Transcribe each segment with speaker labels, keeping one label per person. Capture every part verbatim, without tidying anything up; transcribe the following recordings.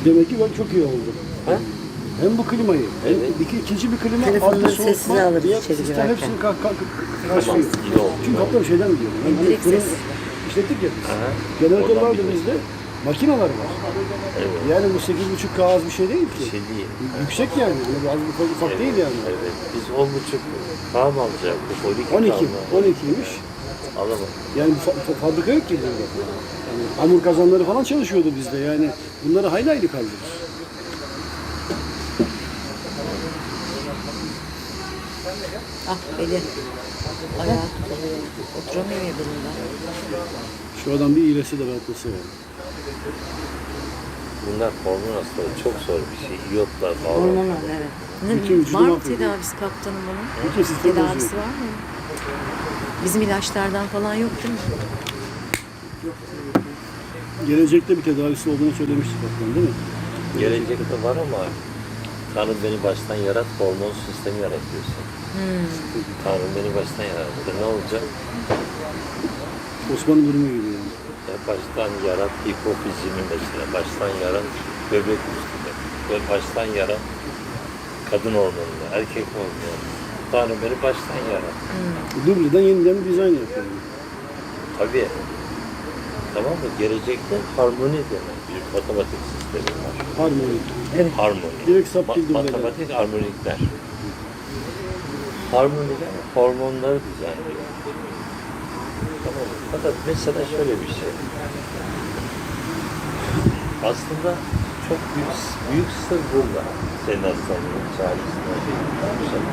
Speaker 1: Demek ki bak çok iyi oldu.
Speaker 2: Ha?
Speaker 1: Hem bu klimayı,
Speaker 2: Evet.
Speaker 1: hem iki, ikinci bir klima,
Speaker 3: Telefonları
Speaker 1: altta
Speaker 3: sessize
Speaker 1: soğutma,
Speaker 3: alırız
Speaker 1: diğer
Speaker 3: içeri
Speaker 1: sistem
Speaker 3: girerken.
Speaker 1: hepsini kalk kalk
Speaker 2: Tamam,
Speaker 1: karşılıyor.
Speaker 2: iyi oldu.
Speaker 1: Çünkü kaptan şeyden diyor. Yani hani
Speaker 3: Direkt
Speaker 1: fırın
Speaker 3: ses.
Speaker 1: işlettik ya biz.
Speaker 2: Aha.
Speaker 1: Jeneratör
Speaker 2: Oradan
Speaker 1: vardı
Speaker 2: biliyoruz.
Speaker 1: bizde. Makineler var.
Speaker 2: Evet.
Speaker 1: Yani bu sekiz buçuk K az bir şey değil ki.
Speaker 2: Bir şey değil.
Speaker 1: Yüksek yani. Yani bu az ufak, ufak
Speaker 2: Evet,
Speaker 1: değil yani.
Speaker 2: Evet. Biz on buçuk K mı alacaktık?
Speaker 1: on iki.
Speaker 2: K mı?
Speaker 1: on ikiymiş.
Speaker 2: Alamadım.
Speaker 1: Yani fa- fa- fabrika yok ki burada. Yani hamur kazanları falan çalışıyordu bizde. Yani bunları hayli hayli kaldırır.
Speaker 3: Ah beli. Ayağı tutuluyor. Oturamıyor ya belinden.
Speaker 1: Şu adam bir iyileşse de rahatlasa yani.
Speaker 2: Bunlar hormon hastalığı çok zor bir şey. İyotlar falan.
Speaker 3: Hormonal evet.
Speaker 1: Bütün vücudu
Speaker 4: Var mı
Speaker 1: mahvediyor.
Speaker 4: tedavisi kaptanım bunun?
Speaker 1: Bütün sistem
Speaker 4: Tedavisi
Speaker 1: bozuyor.
Speaker 4: var mı? Bizim ilaçlardan falan yok değil mi?
Speaker 1: Gelecekte bir tedavisi olduğunu söylemiştik kaptan değil mi?
Speaker 2: Gelecekte var ama Tanrı beni baştan yarat, hormon sistemi yaratıyorsun.
Speaker 4: Hmm.
Speaker 2: Tanrı beni baştan yarattı. Ne olacak?
Speaker 1: Osmanlı durumu gibi yani.
Speaker 2: Ya baştan yarat hipofizini mesela. Baştan yarat böbrek üstünde. Ve baştan yarat kadın hormonunu, erkek hormonunu. Tanrı beni baştan yarat.
Speaker 1: Dubleden yeniden bir dizayn yapıyor. Yani.
Speaker 2: Tabii. Tamam mı? Gelecekte harmoni denen bir matematik sistemi var.
Speaker 1: Harmoni.
Speaker 2: Harmoni.
Speaker 1: Direkt sap
Speaker 2: Ma-
Speaker 1: bildim böyle.
Speaker 2: matematik harmonikler. Harmoniler hormonları düzenliyor. Tamam mı? Fakat mesela şöyle bir şey. Aslında çok büyük, büyük sır burada. Senin hastalığın çaresinde.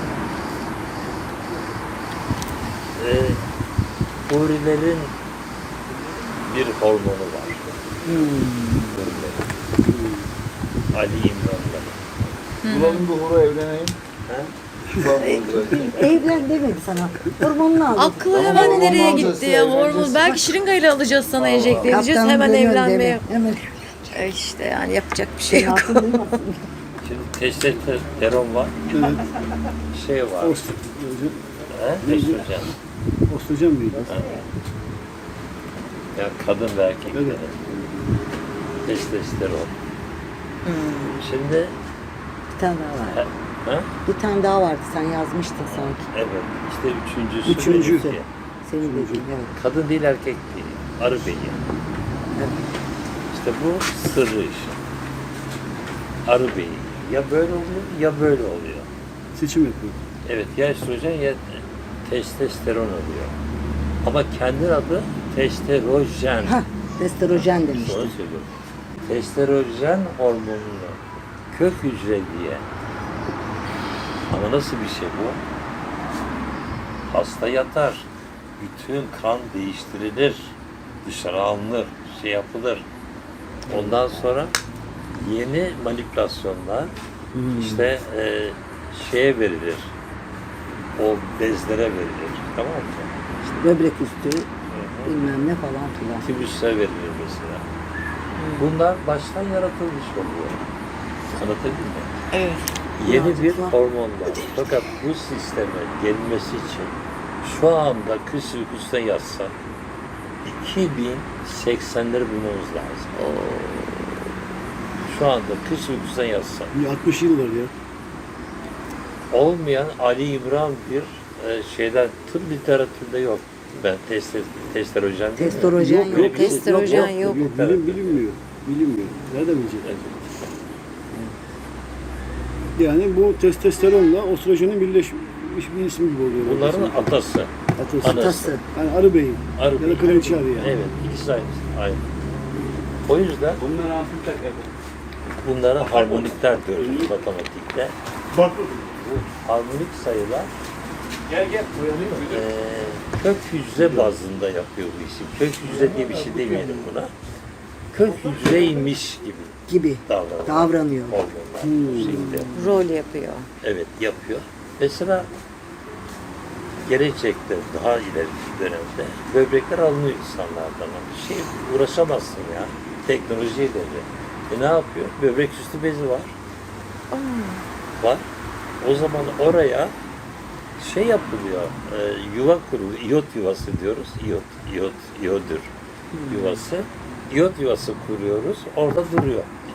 Speaker 2: Ee, hurilerin bir hormonu var. Hurilerin. Ali İmran'da.
Speaker 5: Bulalım bir hura evleneyim.
Speaker 2: Ha?
Speaker 3: Evlen demedi sana. Hormonunu al.
Speaker 4: Aklı
Speaker 5: Ama
Speaker 4: hemen
Speaker 5: hormon
Speaker 4: nereye
Speaker 5: alacağız,
Speaker 4: gitti ya? Hormon.
Speaker 5: evleneceğiz.
Speaker 4: Belki şırıngayla alacağız sana enjekte edeceğiz.
Speaker 3: Kaptanım
Speaker 4: Hemen
Speaker 3: dönüyor
Speaker 4: evlenmeye.
Speaker 3: deme. Hemen.
Speaker 4: E işte yani yapacak bir şey yok.
Speaker 3: Hatun duymasın.
Speaker 2: Şimdi testosteron var,
Speaker 1: Evet.
Speaker 2: şey var.
Speaker 1: Ost
Speaker 2: He? Estrojen.
Speaker 1: Ostojen miydi?
Speaker 2: Ya kadın ve erkeklerin
Speaker 1: Evet.
Speaker 2: testosteron. Şimdi
Speaker 3: Bir tane daha var.
Speaker 2: he, ha?
Speaker 3: Bir tane daha vardı sen yazmıştın sanki.
Speaker 2: Evet, işte üçüncüsü.
Speaker 1: Üçüncü.
Speaker 2: benimki.
Speaker 3: Senin dediğin evet.
Speaker 2: Kadın değil erkek değil. Arı beyi.
Speaker 3: Evet.
Speaker 2: İşte bu sırrı işi. Arı beyi. Ya böyle oluyor ya böyle oluyor.
Speaker 1: Seçim yapıyor.
Speaker 2: Evet, ya estrojen ya testosteron oluyor. Ama kendi adı testosteron.
Speaker 3: Hah, testosteron demiştim.
Speaker 2: Doğru söylüyorum. Testosteron hormonunu kök hücre diye. Ama nasıl bir şey bu? Hasta yatar. Bütün kan değiştirilir. Dışarı alınır. Şey yapılır. Ondan sonra yeni manipülasyonlar işte e, şeye verilir. O bezlere verilir. Tamam mı?
Speaker 3: İşte böbrek üstü bilmem ne falan filan.
Speaker 2: Tibüsse verilir mesela. Bunlar baştan yaratılmış oluyor. Anlatabildim mi?
Speaker 4: Evet.
Speaker 2: Yeni bir
Speaker 3: Mantıklı.
Speaker 2: hormon var. Fakat bu sisteme gelmesi için şu anda kış uykusuna yatsa iki bin seksenleri bulmamız lazım. Şu anda kış uykusuna yatsa
Speaker 1: Bir altmış yıl var ya.
Speaker 2: olmayan Ali İmran bir e, şeyden tıp literatürde yok. Ben test testosteron
Speaker 3: Testosteron yok.
Speaker 1: yok.
Speaker 4: Testosteron yok.
Speaker 1: Yok, bilim, bilinmiyor. Bilinmiyor. Nereden bilecek? Yani bu testosteronla ostrojenin birleşmiş bir isim gibi oluyor.
Speaker 2: Bunların atası.
Speaker 1: atası.
Speaker 2: anası.
Speaker 3: Atası.
Speaker 1: Yani arı beyin.
Speaker 2: Arı
Speaker 1: Ya da
Speaker 2: beyi.
Speaker 1: kraliçe arı yani.
Speaker 2: Evet, ikisi aynı. aynı. O yüzden
Speaker 5: Bunlar hafif takar.
Speaker 2: bunlara harmonikler diyoruz matematikte. Bu harmonik sayılar
Speaker 5: Gel gel. Uyanıyor.
Speaker 2: eee kök hücre bazında yapıyor bu işi. Kök hücre diye bir şey demeyelim buna. Kök hücreymiş gibi
Speaker 3: Gibi
Speaker 2: davranıyor.
Speaker 3: davranıyor.
Speaker 2: Hormonlar bu şekilde.
Speaker 4: Rol yapıyor.
Speaker 2: Evet, yapıyor. Mesela gelecekte daha ileriki dönemde böbrekler alınıyor insanlardan. Bir şey uğraşamazsın ya. Teknolojiyle de. E ne yapıyor? Böbrek üstü bezi var. Var. O zaman oraya şey yapılıyor, e, yuva kuruluyor, iyot yuvası diyoruz, iyot, iyot, iyodür yuvası. İyot yuvası kuruyoruz, orada duruyor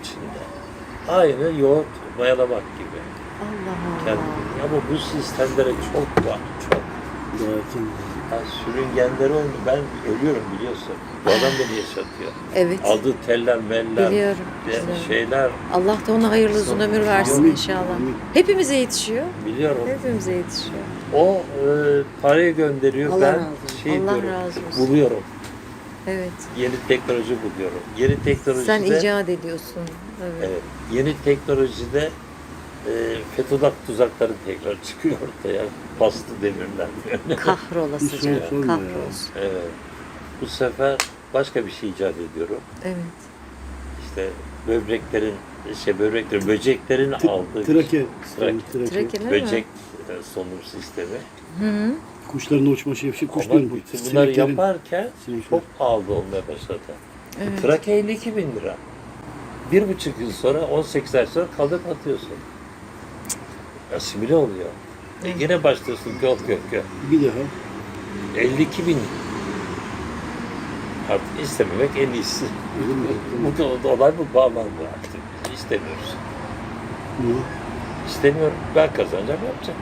Speaker 2: içinde. Aynı yoğurt mayalamak gibi.
Speaker 4: Allah Allah.
Speaker 2: Kendi, ama bu sistemlere çok var, çok.
Speaker 1: Zaten.
Speaker 2: Ya sürüngenleri oldu. Ben ölüyorum biliyorsun. Bu adam beni yaşatıyor.
Speaker 4: Evet.
Speaker 2: Aldığı teller, meller,
Speaker 4: Biliyorum,
Speaker 2: de-
Speaker 4: biliyorum.
Speaker 2: şeyler
Speaker 4: Allah da ona hayırlı uzun ömür versin
Speaker 1: Amin,
Speaker 4: inşallah.
Speaker 1: amin.
Speaker 4: Hepimize yetişiyor.
Speaker 2: biliyorum.
Speaker 4: Hepimize yetişiyor.
Speaker 2: O e, parayı gönderiyor.
Speaker 3: Allah
Speaker 2: ben
Speaker 3: razı olsun.
Speaker 2: şey
Speaker 4: Allah
Speaker 2: diyorum,
Speaker 4: razı olsun.
Speaker 2: buluyorum.
Speaker 4: Evet.
Speaker 2: Yeni teknoloji buluyorum. Yeni teknolojide
Speaker 4: Sen icat ediyorsun. Evet.
Speaker 2: evet, yeni teknolojide e, Fethullah tuzakları tekrar çıkıyor ortaya. Bastı demirler.
Speaker 4: Kahrolasıca.
Speaker 1: Hiç sorma ya.
Speaker 4: Kahrolsun.
Speaker 2: Evet. Bu sefer başka bir şey icat ediyorum.
Speaker 4: Evet.
Speaker 2: İşte böbreklerin, şey böbreklerin, böceklerin aldığı
Speaker 1: Trake.
Speaker 2: Trake.
Speaker 1: Trake.
Speaker 4: Trake değil mi?
Speaker 2: böcek e, solunum sistemi.
Speaker 4: Hı hı.
Speaker 1: Kuşların uçma şevşi kuş
Speaker 2: Ama
Speaker 1: diyorum.
Speaker 2: bütün bunları
Speaker 1: Sineklerin-
Speaker 2: yaparken
Speaker 1: sinekler.
Speaker 2: çok pahalı olmaya başladı.
Speaker 4: Evet.
Speaker 2: Trake elli iki bin lira. Bir buçuk yıl sonra, on sekiz ay sonra kaldırıp atıyorsun. Asimile oluyor. E yine başlıyorsun gök gök gök.
Speaker 1: Bir daha.
Speaker 2: elli iki bin. Artık istememek en iyisi.
Speaker 1: Öyle mi?
Speaker 2: Bu da olay bu bağlandı artık. İstemiyoruz.
Speaker 1: Niye?
Speaker 2: İstemiyorum. Ben kazanacağım, yapacağım.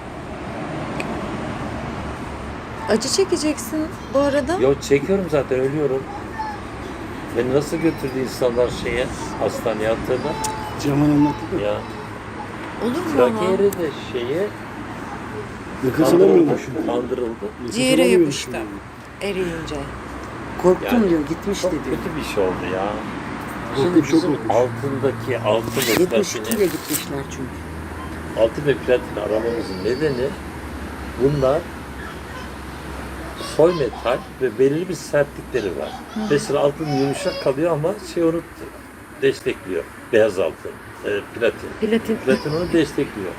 Speaker 4: Acı çekeceksin bu arada.
Speaker 2: Yo çekiyorum zaten, ölüyorum. Beni nasıl götürdü insanlar şeye, hastaneye attığında?
Speaker 1: Cemal anlattı da.
Speaker 2: Ya
Speaker 4: Olur mu ama?
Speaker 2: trakeyeri de şeye
Speaker 1: Nefes
Speaker 2: kandırıldı.
Speaker 1: alamıyormuşum.
Speaker 2: kandırıldı.
Speaker 1: Nefes
Speaker 4: Ciğere
Speaker 1: alamıyormuşum.
Speaker 4: yapıştı. Eriyince.
Speaker 3: Korktum
Speaker 2: Yani
Speaker 3: diyor, gitmişti
Speaker 2: Çok
Speaker 3: diyor.
Speaker 2: kötü bir şey oldu ya.
Speaker 1: Korkunç,
Speaker 2: Şimdi
Speaker 1: çok
Speaker 2: bizim
Speaker 1: korkunç.
Speaker 2: altındaki altın ve
Speaker 3: yetmiş iki ile
Speaker 2: platini,
Speaker 3: gitmişler çünkü.
Speaker 2: altın ve platini aramamızın nedeni bunlar soy metal ve belirli bir sertlikleri var. Mesela altın yumuşak kalıyor ama şey onu destekliyor. Beyaz altın, e, platin.
Speaker 4: Platin.
Speaker 2: Platin onu destekliyor.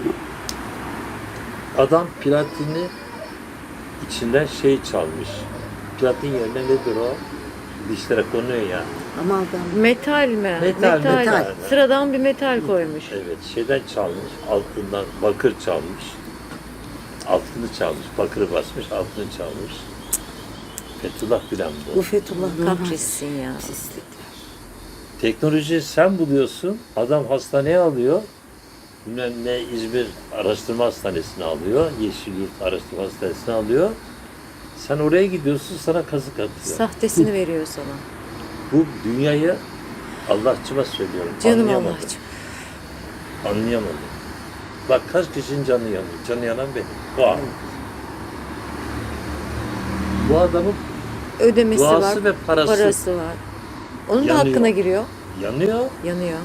Speaker 2: Adam platini içinden şey çalmış. Platin yerine nedir o? Dişlere konuyor ya.
Speaker 3: Amalgam.
Speaker 4: Metal mi?
Speaker 2: Metal, metal.
Speaker 4: Sıradan bir metal koymuş.
Speaker 2: Evet, şeyden çalmış, altından bakır çalmış. Altını çalmış, bakırı basmış, altını çalmış. Fethullah bilen
Speaker 3: Bu
Speaker 2: bu.
Speaker 3: Fethullah
Speaker 4: Kahretsin ya.
Speaker 3: Pislik.
Speaker 2: Teknolojiyi sen buluyorsun, adam hastaneye alıyor. Bilmem ne İzmir Araştırma Hastanesi'ne alıyor, Yeşilyurt Araştırma Hastanesi'ne alıyor. Sen oraya gidiyorsun, sana kazık atıyor.
Speaker 4: Sahtesini veriyor sana.
Speaker 2: Bu dünyayı Allah'çıma söylüyorum,
Speaker 4: Canım
Speaker 2: anlayamadım.
Speaker 4: Allah'cığım.
Speaker 2: Anlayamadım. Bak kaç kişinin canı yanıyor. Canı yanan benim. Vah. Bu adamın
Speaker 4: Ödemesi
Speaker 2: duası
Speaker 4: var.
Speaker 2: ve parası,
Speaker 4: Parası var. Onun da
Speaker 2: Yanıyor.
Speaker 4: hakkına giriyor.
Speaker 2: yanıyor
Speaker 4: Yanıyor.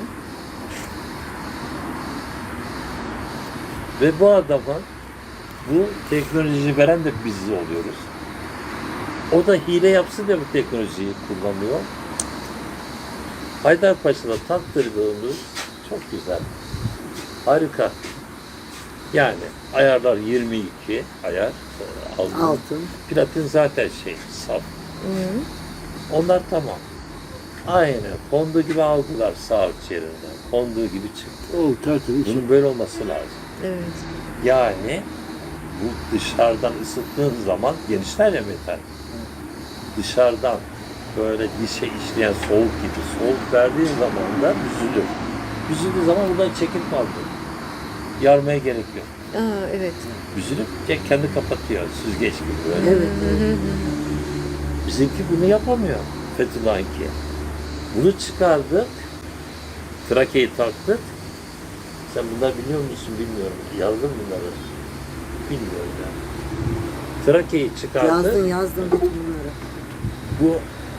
Speaker 2: ve bu adama bu teknolojiyi veren de biz oluyoruz. O da hile yapsın diye bu teknolojiyi kullanıyor. Haydarpaşa'da taktırdığımız çok güzel. Harika. Yani ayarlar yirmi iki ayar. e, Altın.
Speaker 3: Altın.
Speaker 2: Platin zaten şey saf.
Speaker 4: Hı.
Speaker 2: Onlar tamam. Aynen. Konduğu gibi aldılar saat yerinden. Konduğu gibi çıktı.
Speaker 1: O tertemiz.
Speaker 2: Bunun böyle olması lazım.
Speaker 4: Evet.
Speaker 2: Yani bu dışarıdan ısıttığın zaman genişler ya metal. Dışarıdan böyle dişe işleyen soğuk gibi soğuk verdiğin zaman da büzülür. Büzüldüğü zaman buradan çekip kaldı. Yarmaya gerek yok.
Speaker 4: Aa, evet.
Speaker 2: Büzülüp kendi kapatıyor süzgeç gibi böyle.
Speaker 3: Evet. evet.
Speaker 2: Bizimki bunu yapamıyor. Fethullah'ınki. Bunu çıkardık. Trakeyi taktık. Sen bunlar biliyor musun bilmiyorum. Yazdın bunları. Bilmiyorum ya. Trakeyi çıkardık.
Speaker 3: Yazdım yazdım bütün bunları.
Speaker 2: Bu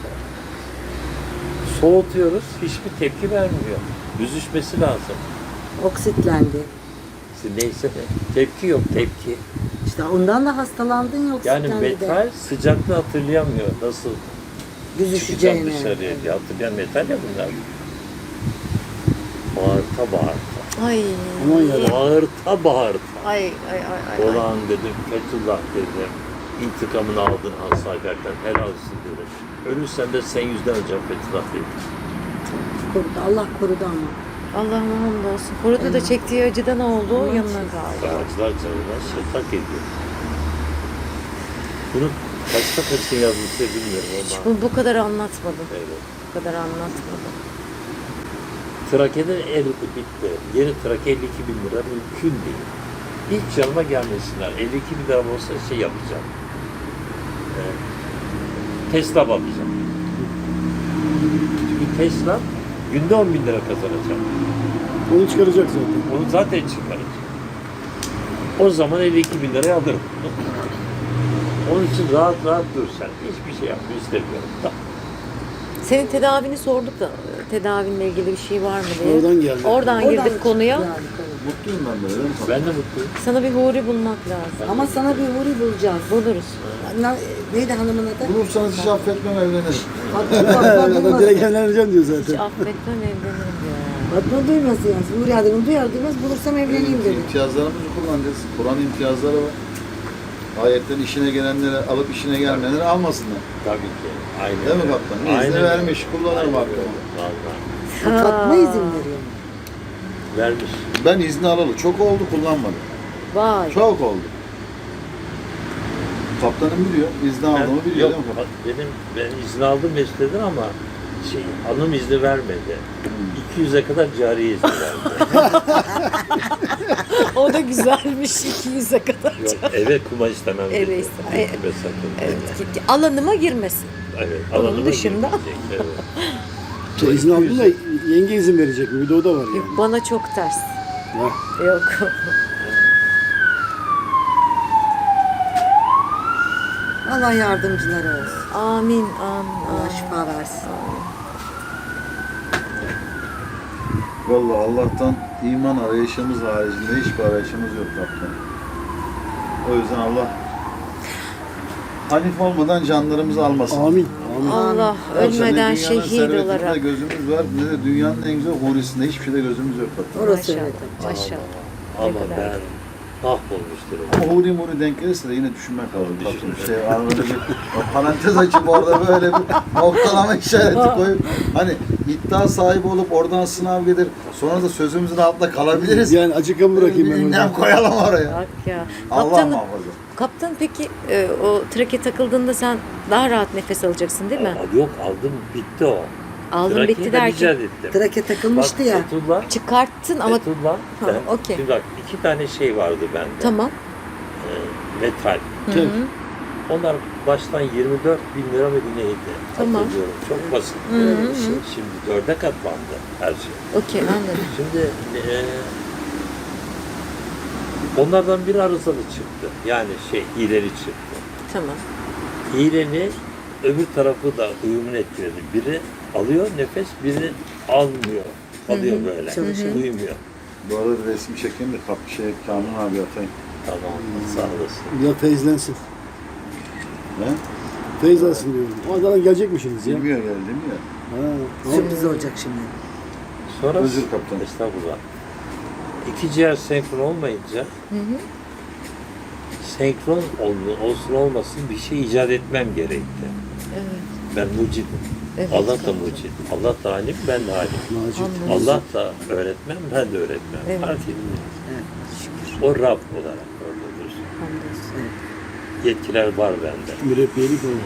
Speaker 2: soğutuyoruz. Hiçbir tepki vermiyor. Büzüşmesi lazım.
Speaker 3: Oksitlendi.
Speaker 2: İşte neyse de. Tepki yok tepki.
Speaker 3: İşte ondan da hastalandın ya
Speaker 2: Yani
Speaker 3: oksitlendi de.
Speaker 2: metal sıcaklığı hatırlayamıyor. Nasıl çıkacağım
Speaker 3: Büzüşeceğini.
Speaker 2: dışarıya diye hatırlayan metal ya bunlar. Bağırta bağırta.
Speaker 4: Ay.
Speaker 1: Aman yarabbim.
Speaker 2: Bağırta bağırta.
Speaker 4: Ay ay ay ay. ay.
Speaker 2: Olan dedim, Fethullah dedim. İntikamını aldın Hansayber'den, helal olsun dedim. Ölürsen de sen yüzden öleceğim Fethullah dedim.
Speaker 3: Korudu. Allah korudu ama.
Speaker 4: Allah'ıma hamdolsun. Korudu da çektiği acıdan oldu. Yanına kaldı.
Speaker 2: Acılar canına şetak ediyor. Bunu kaçta kaçın yazmışsa bilmiyorum ama.
Speaker 4: Bu, bu kadar anlatmadım.
Speaker 2: Evet.
Speaker 4: Bu kadar anlatmadım.
Speaker 2: Trakya'da eridi bitti. Yeni Trakya elli iki bin lira mümkün değil. Hiç yanıma gelmesinler. elli iki bin lira olsa şey yapacağım. Ee, Tesla bakacağım. Çünkü Tesla günde on bin lira kazanacak.
Speaker 1: Onu çıkaracak zaten.
Speaker 2: Onu zaten çıkaracak. O zaman elli iki bin liraya alırım. Onun için rahat rahat dur sen. Hiçbir şey yapmayı istemiyorum.
Speaker 4: Senin tedavini sorduk da tedavinle ilgili bir şey var mı diye.
Speaker 1: Oradan geldi.
Speaker 4: Oradan girdik
Speaker 3: Oradan
Speaker 4: konuya.
Speaker 3: çıktı yani konu.
Speaker 5: Mutluyum ben böyle. değil mi?
Speaker 2: Ben de mutluyum.
Speaker 4: Sana bir huri bulmak lazım.
Speaker 3: Ama sana bir huri bulacağız.
Speaker 4: Buluruz.
Speaker 3: Na- Neydi hanımın adı?
Speaker 5: Bulursanız hiç affetmem, evlenirim.
Speaker 3: Fatma, Fatma
Speaker 1: Adam
Speaker 3: duymasın.
Speaker 1: direkt evleneceğim diyor
Speaker 4: Hiç
Speaker 1: zaten.
Speaker 4: affetmem evlenirim ya.
Speaker 3: Fatma duymasın yani. Huri adını duyar duymaz bulursam evleneyim dedi.
Speaker 5: İmtiyazlarımızı kullanacağız. Kur'an imtiyazları var. Ayetten işine gelenleri alıp işine gelmeyenleri almasınlar.
Speaker 2: Tabii ki. Aynen.
Speaker 5: Değil mi kaptan? İzni vermiş, kullanırım hakkımı.
Speaker 2: Vallahi.
Speaker 3: Fatma izin veriyor.
Speaker 2: Vermiş.
Speaker 5: Ben izni alalı çok oldu, kullanmadım.
Speaker 4: Vay.
Speaker 5: Çok oldu. Kaptanım biliyor, izni aldığımı
Speaker 2: Ben-
Speaker 5: biliyor
Speaker 2: yok,
Speaker 5: değil mi kaptan?
Speaker 2: benim ben izin aldım Mesut'ten ama şey hanım izni vermedi. iki yüze kadar cari izni verdi.
Speaker 4: O da güzelmiş iki yüze kadar.
Speaker 2: Yok eve kuma istemem dedi.
Speaker 4: Eve istemem.
Speaker 2: Gitme sakın.
Speaker 4: Evet, ki- alanıma girmesin.
Speaker 2: Evet.
Speaker 4: Onun
Speaker 2: alanıma
Speaker 4: dışında-
Speaker 2: girmeyecek, Evet.
Speaker 1: Şey, izin aldın da yenge izin verecek mi? Bir de o da var
Speaker 4: Yok,
Speaker 1: yani.
Speaker 4: bana çok ters.
Speaker 1: Ya.
Speaker 4: Yok.
Speaker 3: Allah yardımcıları olsun.
Speaker 4: Amin, amin,
Speaker 3: Allah
Speaker 4: amin.
Speaker 3: şifa versin.
Speaker 5: Vallahi Allah'tan iman arayışımız haricinde hiçbir arayışımız yok kaptan. O yüzden Allah Hanif olmadan canlarımızı almasın.
Speaker 1: Amin. Amin.
Speaker 4: Allah
Speaker 5: Yoksa ne
Speaker 4: ölmeden
Speaker 5: dünyanın
Speaker 4: şehit
Speaker 5: servetinde
Speaker 4: olarak.
Speaker 5: gözümüz var, ne de dünyanın en güzel hurisinde hiçbir şeyde gözümüz yok kaptan.
Speaker 3: Orası
Speaker 4: Maşallah,
Speaker 3: öyle.
Speaker 4: maşallah.
Speaker 2: Ama
Speaker 4: Ne kadar
Speaker 2: ben mahvolmuş durumda.
Speaker 5: Ama huri muri denk gelirse de yine düşünmek lazım. Kaptan. Bir şey arada bir o parantez açıp orada böyle bir noktalama işareti koyup hani iddia sahibi olup oradan sınav gelir. Sonra da sözümüzün altında kalabiliriz.
Speaker 1: Yani açık bırakayım
Speaker 5: Bir
Speaker 1: ben
Speaker 5: ünlem
Speaker 1: orada.
Speaker 5: koyalım oraya.
Speaker 4: Bak ya.
Speaker 5: Allah
Speaker 4: Kaptanım,
Speaker 5: muhafaza.
Speaker 4: kaptan peki e, o trake takıldığında sen daha rahat nefes alacaksın değil mi?
Speaker 2: Aa, Yok aldım bitti o.
Speaker 4: Aldın
Speaker 2: Trakya'yı
Speaker 4: bitti
Speaker 2: da
Speaker 4: derken
Speaker 2: icat ettim.
Speaker 3: Trake takılmıştı
Speaker 2: Bak,
Speaker 3: ya.
Speaker 2: Fethullah,
Speaker 4: çıkarttın ama
Speaker 2: Fethullah,
Speaker 4: Ha,
Speaker 2: ben-
Speaker 4: okey.
Speaker 2: Şimdi bak iki tane şey vardı bende.
Speaker 4: tamam.
Speaker 2: Ee, metal.
Speaker 1: Tabii.
Speaker 2: Onlar baştan yirmi dört bin lira mı neydi?
Speaker 4: Tamam.
Speaker 2: Hatırlıyorum. Çok basit.
Speaker 4: Hı hı
Speaker 2: bir
Speaker 4: hı.
Speaker 2: şey. Şimdi dörde katlandı her şey.
Speaker 4: Okey anladım.
Speaker 2: Şimdi e, onlardan biri arızalı çıktı. Yani şey hileli çıktı.
Speaker 4: Tamam.
Speaker 2: Hileli öbür tarafı da uyumunu etkiledi. Biri alıyor nefes, biri almıyor. Alıyor böyle.
Speaker 3: Çalışıyor.
Speaker 2: Uyumuyor.
Speaker 5: Bu arada bir resmi çekeyim de kap şey Kamil abi atayım.
Speaker 2: Tamam. Sağ olasın.
Speaker 1: Biraz feyizlensin.
Speaker 5: Ne?
Speaker 1: Feyizlensin diyorum. O zaman gelecekmişsiniz ya.
Speaker 5: Bilmiyor geldi mi ya?
Speaker 1: Ha, tamam.
Speaker 3: Sürpriz olacak şimdi.
Speaker 2: Sonra
Speaker 5: Özür kaptan.
Speaker 2: Estağfurullah. İki ciğer senkron olmayınca
Speaker 4: Hı hı.
Speaker 2: senkron ol- olsun olmasın bir şey icat etmem gerekti.
Speaker 4: Evet.
Speaker 2: Ben mucidim.
Speaker 4: Evet,
Speaker 2: Allah da
Speaker 4: tamam.
Speaker 2: mucid. Allah da alim, ben de alim.
Speaker 1: Macit.
Speaker 4: Anladım.
Speaker 2: Allah da öğretmen, ben de öğretmen.
Speaker 4: Evet.
Speaker 2: Fark etmiyor.
Speaker 3: Evet.
Speaker 2: O Rab olarak orada dursun.
Speaker 4: Hamdolsun.
Speaker 2: Yetkiler var bende.
Speaker 1: Mürebbiyelik oldu.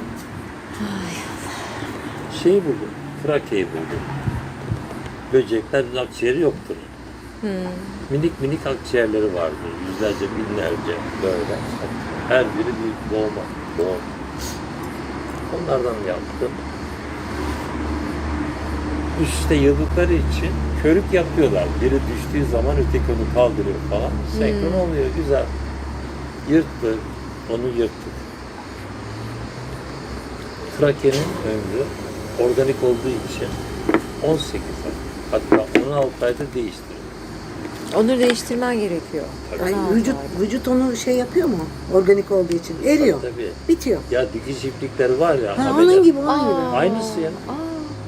Speaker 2: Şey buldum, Trakya'yı buldum. Böceklerin akciğeri yoktur.
Speaker 4: Hmm.
Speaker 2: Minik minik akciğerleri vardır. Yüzlerce, binlerce böyle. Her biri bir boğma. Boğum. Onlardan yaptım. Üste yıldıkları için körük yapıyorlar. Biri düştüğü zaman öteki onu kaldırıyor falan. Senkron oluyor, güzel. Yırttık, onu yırttık. Trakya'nın ömrü organik olduğu için on sekiz ay. Hatta on altı ayda değiştiriyor.
Speaker 4: Onu değiştirmen gerekiyor.
Speaker 3: Ay,
Speaker 4: Ona
Speaker 3: vücut
Speaker 4: ait.
Speaker 3: vücut onu şey yapıyor mu? Organik olduğu için. Eriyor.
Speaker 2: Tabii, tabii.
Speaker 3: Bitiyor.
Speaker 2: Ya dikiş iplikleri var ya.
Speaker 3: Ha,
Speaker 2: ameliyat-
Speaker 3: onun gibi onun
Speaker 4: Aa.
Speaker 3: gibi.
Speaker 2: Aynısı ya.
Speaker 4: Aa,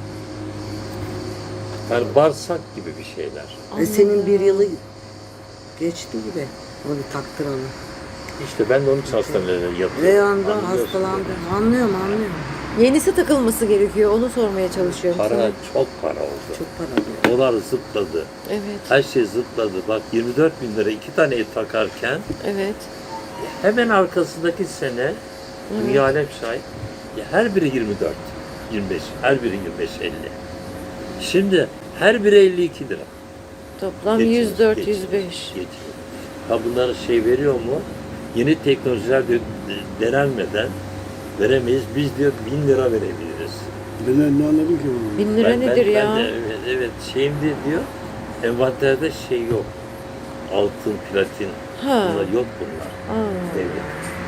Speaker 2: Yani bağırsak gibi bir şeyler.
Speaker 3: E, senin bir yılı geçti gibi. Onu taktıralı.
Speaker 2: İşte ben de onun için hastanelere yatıyorum.
Speaker 3: Reyhan'da
Speaker 2: Anlıyorsun
Speaker 3: hastalandı.
Speaker 2: değil mi?
Speaker 3: Anlıyorum anlıyorum.
Speaker 4: yenisi takılması gerekiyor. Onu sormaya çalışıyorum
Speaker 2: Para
Speaker 4: sana.
Speaker 2: çok para oldu.
Speaker 3: Çok para alıyor.
Speaker 2: Dolar zıpladı.
Speaker 4: Evet,
Speaker 2: Her şey zıpladı. Bak yirmi dört bin lira iki tane et takarken
Speaker 4: evet.
Speaker 2: hemen arkasındaki sene dünya alem şahit. Ya her biri yirmi dört, yirmi beş. Her biri yirmi beş elli. Şimdi Her biri elli iki lira.
Speaker 4: Toplam
Speaker 2: Geçiyor,
Speaker 4: yüz dört
Speaker 2: geçiyor,
Speaker 4: yüz beş.
Speaker 2: geçiyor. Ha bunlar şey veriyor mu? Yeni teknolojiler de- denenmeden veremeyiz. Biz diyor bin lira verebiliriz.
Speaker 1: Ben ne anladım ki bunu?
Speaker 4: Bin lira
Speaker 2: Ben- ben-
Speaker 4: nedir
Speaker 2: ben
Speaker 4: ya?
Speaker 2: de evet, evet şeyimde diyor envanterde şey yok. Altın, platin
Speaker 4: Ha.
Speaker 2: bunlar yok bunlar.
Speaker 4: Aa,
Speaker 2: Evet.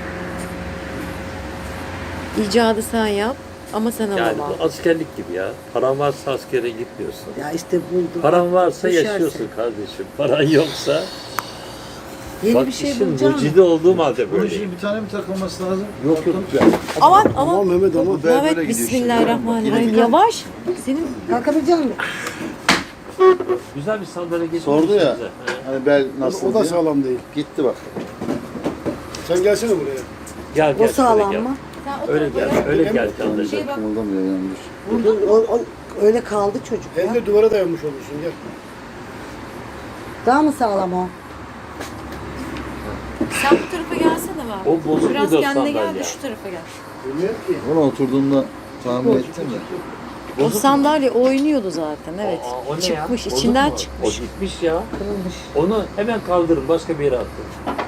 Speaker 4: icadı sen yap ama sen
Speaker 2: Yani
Speaker 4: alamam.
Speaker 2: bu askerlik gibi ya. Paran varsa askere gitmiyorsun.
Speaker 3: Ya işte buldum.
Speaker 2: Paran varsa
Speaker 3: Düşerse.
Speaker 2: yaşıyorsun kardeşim. Paran yoksa
Speaker 3: Yeni
Speaker 2: bak
Speaker 3: bir şey
Speaker 2: işin
Speaker 3: bulacağım.
Speaker 2: mucidi olduğum halde
Speaker 5: Bunun
Speaker 2: böyle.
Speaker 5: için bir tane mi takılması lazım?
Speaker 2: Yok yok.
Speaker 4: Aman
Speaker 1: Aman
Speaker 4: aman.
Speaker 1: Mehmet aman.
Speaker 5: Bu böyle
Speaker 4: Mehmet
Speaker 5: gidiyor işte.
Speaker 4: bismillahirrahmanirrahim.
Speaker 5: Yine bir-
Speaker 4: Yavaş. Senin
Speaker 3: Kalkabilecek misin?
Speaker 2: Güzel bir sandalye getirmiş
Speaker 5: Sordu ya.
Speaker 2: bize. He.
Speaker 5: Hani bel nasıl
Speaker 1: O da
Speaker 5: diye.
Speaker 1: sağlam değil.
Speaker 5: Gitti bak.
Speaker 1: Sen gelsene buraya.
Speaker 2: Gel
Speaker 3: O
Speaker 2: gel şöyle
Speaker 3: sağlam
Speaker 2: gel.
Speaker 3: mı?
Speaker 2: Öyle gel. Öyle gel kardeşim.
Speaker 4: Şey bak.
Speaker 5: Kımıldamıyor yani.
Speaker 3: Vurdun, o, o, öyle kaldı çocuk ya.
Speaker 1: Hem de duvara dayanmış olursun. Gel.
Speaker 3: Daha mı sağlam o?
Speaker 4: Sen bu tarafa gelsene bak.
Speaker 2: O bozuk
Speaker 4: Biraz
Speaker 2: bir de
Speaker 4: kendine gel
Speaker 2: sandalye.
Speaker 4: de şu tarafa gel.
Speaker 1: Bilmiyorum ki.
Speaker 5: Ona oturduğumda tahmin ettim de.
Speaker 4: O sandalye oynuyordu zaten evet.
Speaker 2: Aa, o ne ya?
Speaker 4: Çıkmış
Speaker 2: Bozuk
Speaker 4: içinden
Speaker 2: mu?
Speaker 4: çıkmış.
Speaker 2: O gitmiş ya.
Speaker 3: Kırılmış.
Speaker 2: Onu hemen kaldırın başka bir yere attın.